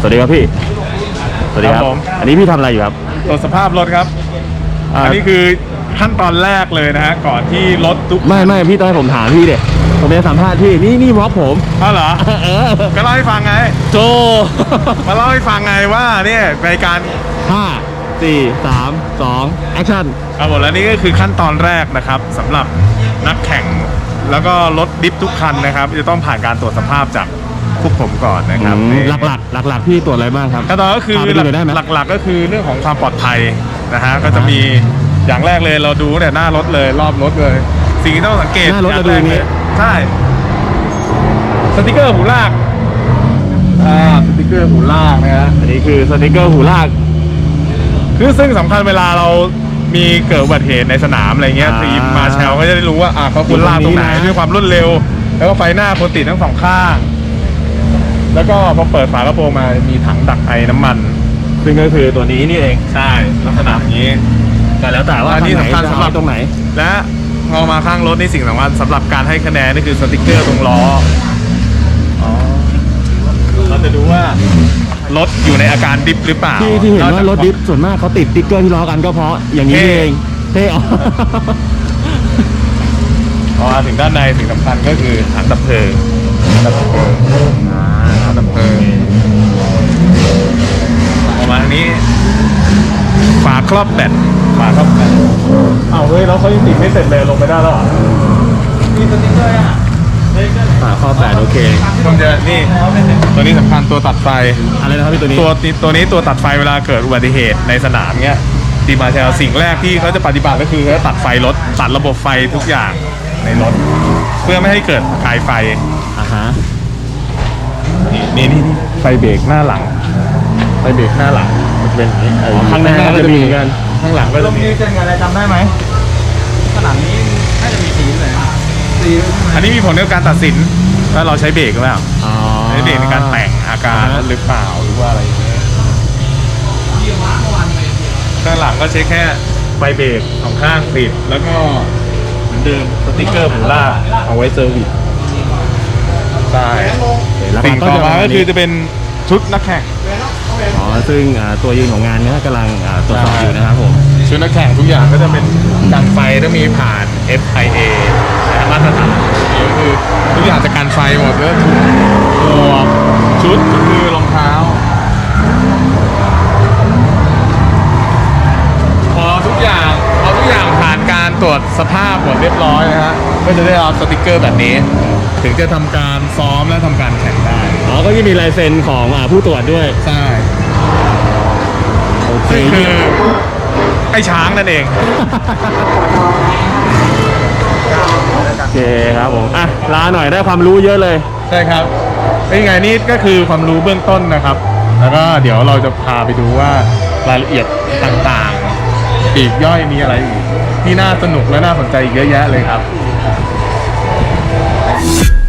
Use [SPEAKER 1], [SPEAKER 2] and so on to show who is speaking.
[SPEAKER 1] สวัสดีครับพี่สวัสดีครับ
[SPEAKER 2] ผม
[SPEAKER 1] อันนี้พี่ทำอะไรอยู่ครับ
[SPEAKER 2] ตรวจสภาพรถครับ อันนี้คือขั้นตอนแรกเลยนะฮะก่อนที่รถทุก
[SPEAKER 1] ไม่พี่ต้องให้ผมถามพี่เด็ผมจะสัมภาษณ์พี่นี่วอล์กผม
[SPEAKER 2] อ้าวเหรอ
[SPEAKER 1] เออ
[SPEAKER 2] ก็เล่าให้ฟังไง
[SPEAKER 1] โจ
[SPEAKER 2] มาเล่าให้ฟังไงว่าเนี่ยในการ
[SPEAKER 1] 5 4 3 2แอคชั่น
[SPEAKER 2] เอาหมดแล้วนี่ก็คือขั้นตอนแรกนะครับสำหรับนักแข่งแล้วก็รถดิฟทุกคันนะครับจะต้องผ่านการตรวจสภาพจากพวกผมก่อนนะครับนี่
[SPEAKER 1] หลักพี่ตรวจอะไรบ้างครับ
[SPEAKER 2] ขั้นตอนก็คือ
[SPEAKER 1] พาไปดูหน่อยได้ไหม
[SPEAKER 2] หลักๆก็คือเรื่องของความปลอดภัยนะฮะก็จะมีอย่างแรกเลยเราดูแต่หน้ารถเลยรอบรถเลย สิ่งที่ต้องสังเกต
[SPEAKER 1] หน้ารถ
[SPEAKER 2] อย่
[SPEAKER 1] เรา
[SPEAKER 2] ง
[SPEAKER 1] ดู
[SPEAKER 2] แรก
[SPEAKER 1] อย่าง
[SPEAKER 2] เล
[SPEAKER 1] นี้
[SPEAKER 2] ยใช่สติกเกอร์หูลากสติกเกอร์หูลากนะฮะ
[SPEAKER 1] อันนี้คือสติกเกอร์หูลาก
[SPEAKER 2] คือซึ่งสำคัญเวลาเรามีเกิดอุบัติเหตุในสนามอะไรเงี้ยทีมมาแชลก็จะได้รู้ว่าเขาควรลากตรงไหนด้วยความรวดเร็ว แล้วก็ไฟหน้าควรติดทั้งสองข้าง แล้วก็พอเปิดฝากระโปรงมามีถังดักไอน้ำมัน
[SPEAKER 1] ซึ่งก็คือตัวนี้นี่เอง
[SPEAKER 2] ใช่ลักษณะอย่างนี้
[SPEAKER 1] แต่แล้วแต่ว่า
[SPEAKER 2] อันนี้สำคัญสำหรับ
[SPEAKER 1] ตรงไหน
[SPEAKER 2] และพอมาข้างรถนี่สิ่งสำคัญสำหรับการให้คะแนนนี่คือสติกเกอร์ตรงล้อเราจะดูว่ารถอยู่ในอาการดิฟหรือเปล่า
[SPEAKER 1] ที่เห็นว่ารถดิฟส่วนมากเขาติดติ๊กเกอร์ที่ล้อกันก็เพราะอย่างนี้เองเท่อ
[SPEAKER 2] พอถึงด้านในสิ่งสำคัญก็คือถังดับเพลิงถังดับเพลิงออกมาทางนี้ฝาครอบแบตอ้าวเฮ้ยแล้วเขายังติดไม่เสร็จเลยลงไปได้แล้วเหรอมีสติ๊กเกอร์อ่ะ
[SPEAKER 1] ข้อ8โอเค
[SPEAKER 2] มันจะนี่ตัวนี้สำคัญตัวตัดไฟ
[SPEAKER 1] อะไรนะครับพี่ตัวนี้
[SPEAKER 2] ตัวนี้ตัวตัดไฟเวลาเกิดอุบัติเหตุในสนามเนี้ยทีมมาแชลสิ่งแรกที่เขาจะปฏิบัติก็คือเขาตัดไฟรถตัดระบบไฟทุกอย่างในรถเพื่อไม่ให้เกิดประกายไฟ
[SPEAKER 1] ฮะ
[SPEAKER 2] นี่ไฟเบรกหน้าหลังไฟเบรกหน้าหลังมันจะเป็นอย่างนี้
[SPEAKER 1] ข้างหน้าก็จะมีเหมือนกัน
[SPEAKER 2] ข้างหลังก็จะมี
[SPEAKER 3] เส้นอะไรจำได้ไหมขนาดนี้น่าจะมีสีเลยนะสี
[SPEAKER 2] อันนี้มีผลกับการตัดสินว่าเราใช้เบรกหรือเปล่า
[SPEAKER 1] อ๋อ
[SPEAKER 2] ใช้เบรกในการแต่งอาการหรือเปล่าหรือว่าอะไรอย่างเงี้ยข้างหลังก็ใช้แค่ไฟเบรกสองข้างติดแล้วก็เหมือนเดิมสติ๊กเกอร์หมูล่าเอาไว้เซอร์วิสใช่
[SPEAKER 1] แล้ว
[SPEAKER 2] สิ่ง
[SPEAKER 1] ก็
[SPEAKER 2] ต่อ
[SPEAKER 1] จะ
[SPEAKER 2] มาก็คือจะเป็นชุดนักแข่ง
[SPEAKER 1] อ๋อซึ่งตัวยืนของงานเนี้ยกำลังตรวจสอบอยู่นะครับผม
[SPEAKER 2] ชุดนักแข่งทุกอย่างก็จะเป็นกันไฟต้องมีผ่าน FIA นะมาตรฐานนี่ก็คือทุกอย่างจะกันไฟหมดแล้วหมวกชุดก็คือรองเท้าพอทุกอย่างผ่านการตรวจสภาพหมดเรียบร้อยนะฮะก็จะได้รับสติกเกอร์แบบนี้ ถึงจะทำการซ้อมและทำการแข่งได้
[SPEAKER 1] อ๋อก็จะมีลายเซ็นของผู้ตรวจด้วย
[SPEAKER 2] ใช่
[SPEAKER 1] โอเค
[SPEAKER 2] ซึ่งคือไอ้ช้างนั่นเอง
[SPEAKER 1] โอเคครับผมลาหน่อยได้ความรู้เยอะเลย
[SPEAKER 2] ใช่ครับเป็นไงนี่ก็คือความรู้เบื้องต้นนะครับ แล้วก็เดี๋ยวเราจะพาไปดูว่ารายละเอียดต่างๆปีกย่อยมีอะไรอีกที่น่าสนุกและน่าสนใจอีกเยอะแยะเลยครับ